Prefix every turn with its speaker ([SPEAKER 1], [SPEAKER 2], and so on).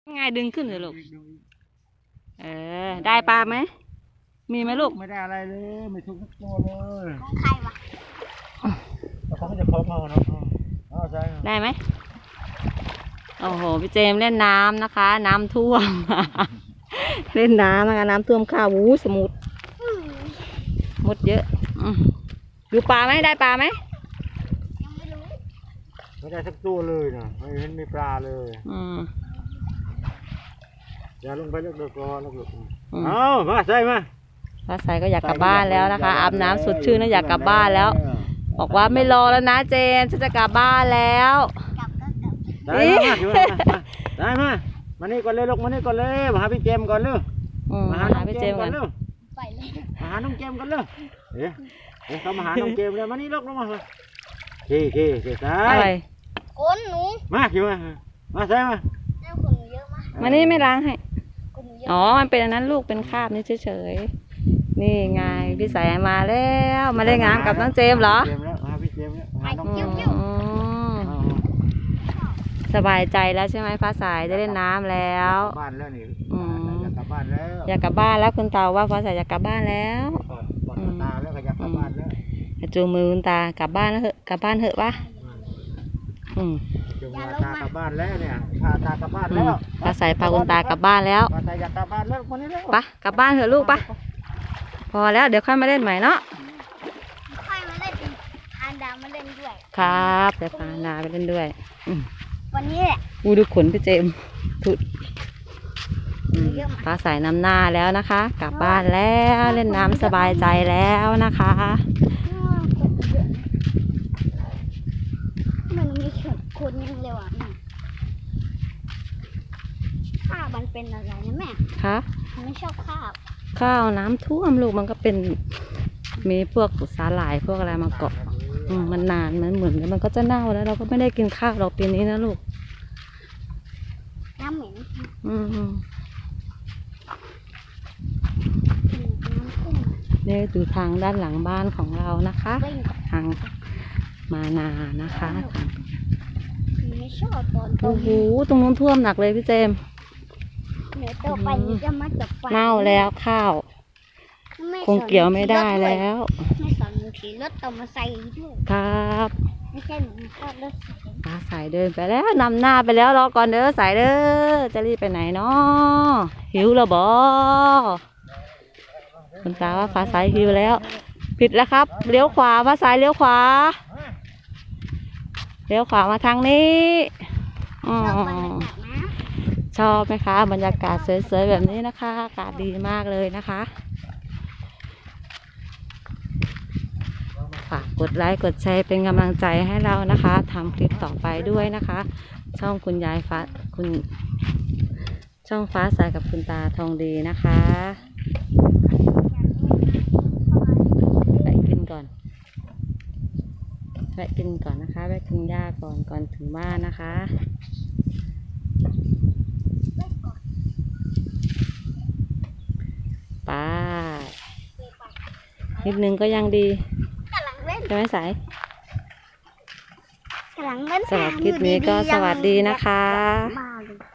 [SPEAKER 1] ง่ายดึงขึ้นเลยลูกได้ปลาไหมมีไหมลูก
[SPEAKER 2] ไม่ได้อะไรเลยไม่ทุกตัวเลย
[SPEAKER 3] ของใครวะ
[SPEAKER 2] เขาจะคล้องเอาเนาะใช่
[SPEAKER 1] ได้ไหมโอ้โหพี่เจมเล่นน้ำนะคะน้ำท่วม เล่นน้ำนะคะน้ำท่วมข้าววูสมุดมดเยอะดูปลาไหมได้ปลาไหม
[SPEAKER 3] ยังไม่รู้
[SPEAKER 2] ไม่ได้สักตัวเลยนะไม่เห็นมีปลาเลยอย่าลงไปเลือกก่อนแล้วเอามาใส่มา
[SPEAKER 1] ฟ้าใสก็อยากกลับบ้านแล้วนะคะอาบน้ำสดชื่นแล้วอยากกลับบ้านแล้วบอกว่าไม่รอแล้วนะเจมฉันจะกลับบ้านแล้ว
[SPEAKER 3] กลับก็กลับ
[SPEAKER 2] ได้มานี่ก่อนเลยลูกมานี่ก่อนเลยมาหาพี่เจมก่อนเลย
[SPEAKER 1] มาหาพี่เจมก่อน
[SPEAKER 3] ไปเลย
[SPEAKER 2] มาหาน้องเจมก่อนเลยเดี๋ยวเขามาหาน้องเจมเลยมานี่ลูกลงมาเจ๊ใส่
[SPEAKER 3] คนหนู
[SPEAKER 2] มาคิวมาใส่มา
[SPEAKER 3] แล้วคนหนูเยอะมาก
[SPEAKER 1] มานี่ไม่ล้างให้อ๋อมันเป็นอันนั้นลูกเป็นคราบนี่เฉยๆนี่ไงพี่สายมาแล้วมาได้งานกับน้องเจมเหรอ
[SPEAKER 2] พี่เจมแล้วหาน้องเจม
[SPEAKER 1] สบายใจแล้วใช่ไหมฟ้าใสได้เล่นน้ำแล้ว
[SPEAKER 2] บ้านแล้วนี่อยากกลับบ้านแล้ว
[SPEAKER 1] อยากกลับบ้านแล้วคุณตาว่าฟ้าใสอยากกลับบ้านแล้ว
[SPEAKER 2] ตาแล้วก็อยากกลับบ้านแล้ว
[SPEAKER 1] จูงมือคุณตากลับบ้านแล้วเหอะกลับบ้านเหอะปะ
[SPEAKER 2] จูงมือตากลับบ้านแล้วเนี่ยพาตากลับบ้านแล้ว
[SPEAKER 1] ฟ้าใสพาคุณตากลับบ้านแล้ว
[SPEAKER 2] ฟ้าใสอยากกลับบ้านแล้วคนนี้แล้ว
[SPEAKER 1] ปะกลับบ้านเถอะลูกปะพอแล้วเดี๋ยวค่อยมาเล่นใหม่เนาะ
[SPEAKER 3] ค่อยมาเล่นพานดาวมาเล่นด้วย
[SPEAKER 1] ครับเดี๋ยวพานาไปเล่นด้วย
[SPEAKER 3] วันนี้แหละ
[SPEAKER 1] ดูขนพี่เจมถุดฟ้าใสน้ำหน้าแล้วนะคะกลับบ้านแล้วเล่นน้ำสบายใจแล้วนะคะ
[SPEAKER 3] มันมีคนยังเร็วอ่ะข้าวมันเป็นอะไรนะแม่
[SPEAKER 1] คะ
[SPEAKER 3] มันไม่ชอบ
[SPEAKER 1] ข้าวน้ำท่วมลูกมันก็เป็นมีพวกสาหร่ายพวกอะไรมาเกาะมันนานมันเหมือนมันก็จะเน่าแล้วเราก็ไม่ได้กินข้าวเราปีนี้นะลูก
[SPEAKER 3] น้ำเหม็น
[SPEAKER 1] นี่ดูทางด้านหลังบ้านของเรานะคะทางมานานะคะ
[SPEAKER 3] ไม่ชอบตอน
[SPEAKER 1] โอ้โหตรงนู้นท่วมหนักเลยพี่เจม
[SPEAKER 3] เดี๋ยวต่อไปจะมาจับปลา
[SPEAKER 1] เน่าแล้วข้าวคงเกี่ยวไม่ได้แล้ว
[SPEAKER 3] ไม่สอนหนูขี่รถต่อมาใส่ด้วย
[SPEAKER 1] ครับ
[SPEAKER 3] ไม่ใช่หนูชอบรถ
[SPEAKER 1] ตาสายเดินไปแล้วนำหน้าไปแล้วรอก่อนเด้อสายเด้อจะรีบไปไหนเนาะหิวแล้วบอคุณตาว่าฟ้าสายหิวแล้วผิดแล้วครับเลี้ยวขวาฟ้าสายเลี้ยวขวามาทางนี้ชอบไหมคะบรรยากาศสวยๆแบบนี้นะคะอากาศดีมากเลยนะคะฝากกดไลค์กดแชร์เป็นกำลังใจให้เรานะคะทำคลิปต่อไปด้วยนะคะช่องคุณยายฟ้าช่องฟ้าใสกับคุณตาทองดีนะคะไปกินก่อนนะคะไปกินหญ้าก่อนถึงบ้านนะคะไปนิดนึงก็ยังดีใช่ไหมสายสำหรับคลิปนี้ก็สวัสดีนะคะ